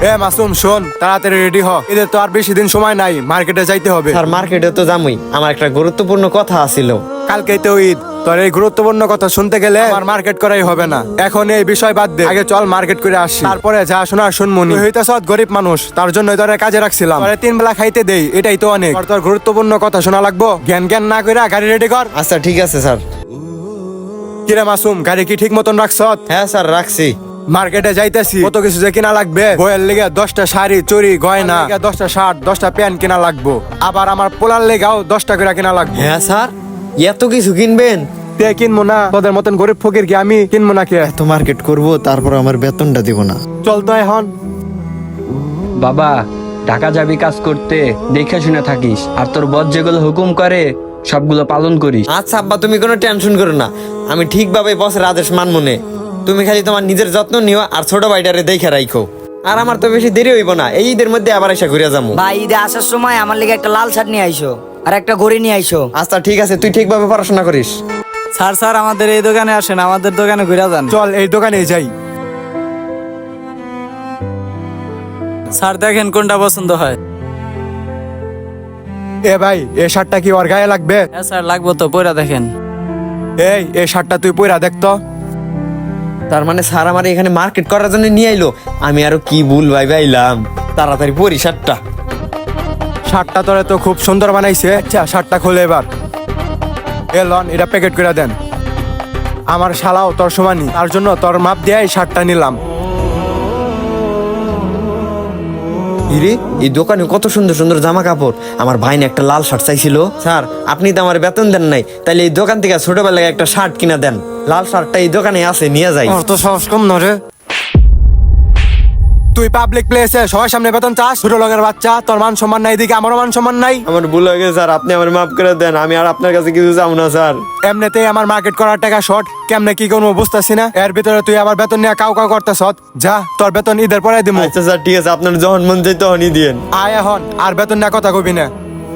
এ মাসুম শোন, তাড়াতাড়ি রেডি হ, এদের তো আর বেশি দিন সময় নাই, মার্কেটে যাইতে হবে। স্যার মার্কেটে তো যামই, আমার একটা গুরুত্বপূর্ণ কথা আছিল। কালকেই তো ঈদ, তোর এই গুরুত্বপূর্ণ কথা শুনতে গেলে আমার মার্কেট করাই হবে না। এখন এই বিষয় বাদ দে, আগে চল মার্কেট করে আসি, তারপরে যা শোনার শুনমুনি। তুই হইতেছ গরিব মানুষ, তার জন্য তোরে কাজে রাখছিলাম, তোরে 3 বেলা খাইতে দেই, এটাই তো অনেক। তোর গুরুত্বপূর্ণ কথা শোনা লাগবো, জ্ঞান জ্ঞান না কইরা গাড়ি রেডি কর। আচ্ছা ঠিক আছে স্যার। কিরে মাসুম, গাড়ি কি ঠিক মতন রাখছ? হ্যাঁ স্যার রাখছি। মার্কেটে যাইতেছি, কত কিছু যে কিনা লাগবে। বইয়ের লেগে 10টা শাড়ি চুড়ি গয়না, 10টা শার্ট 10টা প্যান্ট কিনা লাগবো, আবার আমার পোলার লেগাও 10টা করে কিনা লাগবে। হ্যাঁ স্যার, এত কিছু কিনবেন? তে কিনবো না? তোদের মতন গরিব ফকির কি আমি কিনবো না? কে এত মার্কেট করব, তারপর আমার বেতনটা দিব না। চল তো এখন। বাবা, ঢাকা যাবি কাজ করতে, দেখে শুনে থাকিস, আর তোর বস যেগুলো হুকুম করে সবগুলো পালন করিস। আচ্ছা আব্বা, তুমি কোনো টেনশন করো না, আমি ঠিকভাবে বসের আদেশ মানবো নে। তুমি খালি তোমার নিজের যত্ন নিও, আর ছোট ভাইটারে দেখে রাখো। আর আমার তো বেশি দেরি হইব না, এই ঈদের মধ্যে আবার এসে ঘুরে যাবো। ভাই ঈদে আসার সময় আমার লেগে একটা লাল শার্ট নিয়ে আইসো, আর একটা ঘড়ি নিয়ে আইসো। আচ্ছা ঠিক আছে, তুই ঠিকভাবে পড়াশোনা করিস। স্যার স্যার আমাদের এই দোকানে আসেন, আমাদের দোকানে ঘুরে যান। চল এই দোকানে যাই। স্যার দেখেন কোনটা পছন্দ হয়। এ ভাই, এই শার্টটা কি ওর গায়ে লাগবে? হ্যাঁ স্যার লাগবো তো, পয়রা দেখেন। এই শার্টটা তুই পইরা দেখতো। তার মানে স্যার আমার এখানে মার্কেট করার জন্য নিয়ে আইলো, আমি আরো কি ভুল ভাইবে আইলাম। তাড়াতাড়ি পরি শার্টটা। শার্টটা তোরে তো খুব সুন্দর বানাইছে। আচ্ছা শার্টটা খোলে এবার। এ লন, এটা প্যাকেট করে দেন। আমার শালাও তোর সমানই, তার জন্য তোর মাপ দিয়ে এই শার্টটা নিলাম। ইরে, এই দোকানে কত সুন্দর সুন্দর জামা কাপড়। আমার ভাই না একটা লাল শার্ট চাইছিল। স্যার আপনি তো আমার বেতন দেন নাই, তাইলে এই দোকান থেকে ছোটবেলায় একটা শার্ট কিনা দেন। লাল শার্টটা এই দোকানে আছে, নিয়ে যাই। তোর তো সাহস কম না রে। তুই পাবলিক প্লেসে সবার সামনে বেতন চাস? ছোট লোকের বাচ্চা, তোর মান সম্মান নাই, দিকে আমারও মান সম্মান নাই। আমার ভুল হয়ে গেছে স্যার, আপনি আমার মাফ করে দেন, আমি আর আপনার কাছে কিছু চাও না স্যার। এমনিতেই আমার মার্কেট করার টাকা শর্ট, কেমনে কি করবো বুঝতেছি না, এর ভিতরে তুই আবার বেতন নিয়ে কাউ কাউ করতেছ। যা, তোর বেতন ঈদের পরে দিবো। আচ্ছা স্যার ঠিক আছে, আপনার যখন মন চাই তখনই দিয়েন। আয় এখন, আর বেতন নিয়ে কথা কবি না।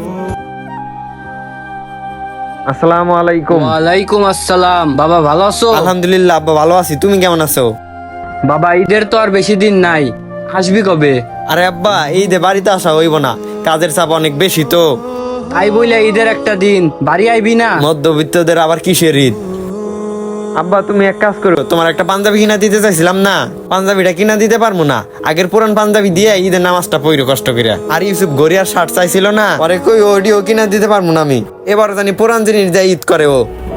আসসালামু আলাইকুম। ওয়ালাইকুম আসসালাম। বাবা ভালো আছো? আলহামদুলিল্লাহ আব্বা, ভালো আছি। তুমি কেমন আছো? বাবা, ঈদের তো আর বেশি দিন নাই, আসবি কবে? আরে আব্বা, এই যে বাড়িতে আসা হইব না, কাজের চাপ অনেক বেশি তো। তাই বইলে ঈদের একটা দিন বাড়ি আইবি না? মধ্যবিত্তদের আবার কিসের ঈদ? আব্বা তুমি এক কাজ করো, তোমার একটা পাঞ্জাবি কিনা দিতে চাইছিলাম না, পাঞ্জাবিটা কিনা দিতে পারবো না। আগের পুরান পাঞ্জাবি দিয়ে ঈদের নামাজটা পইরো কষ্ট করে। আর ইউসুফ গড়িয়ার শার্ট চাইছিল না, পরে কই ওডিও কিনা দিতে পারবো না আমি। এবার জানি পুরান জিনিস দিয়ে ঈদ করে ও।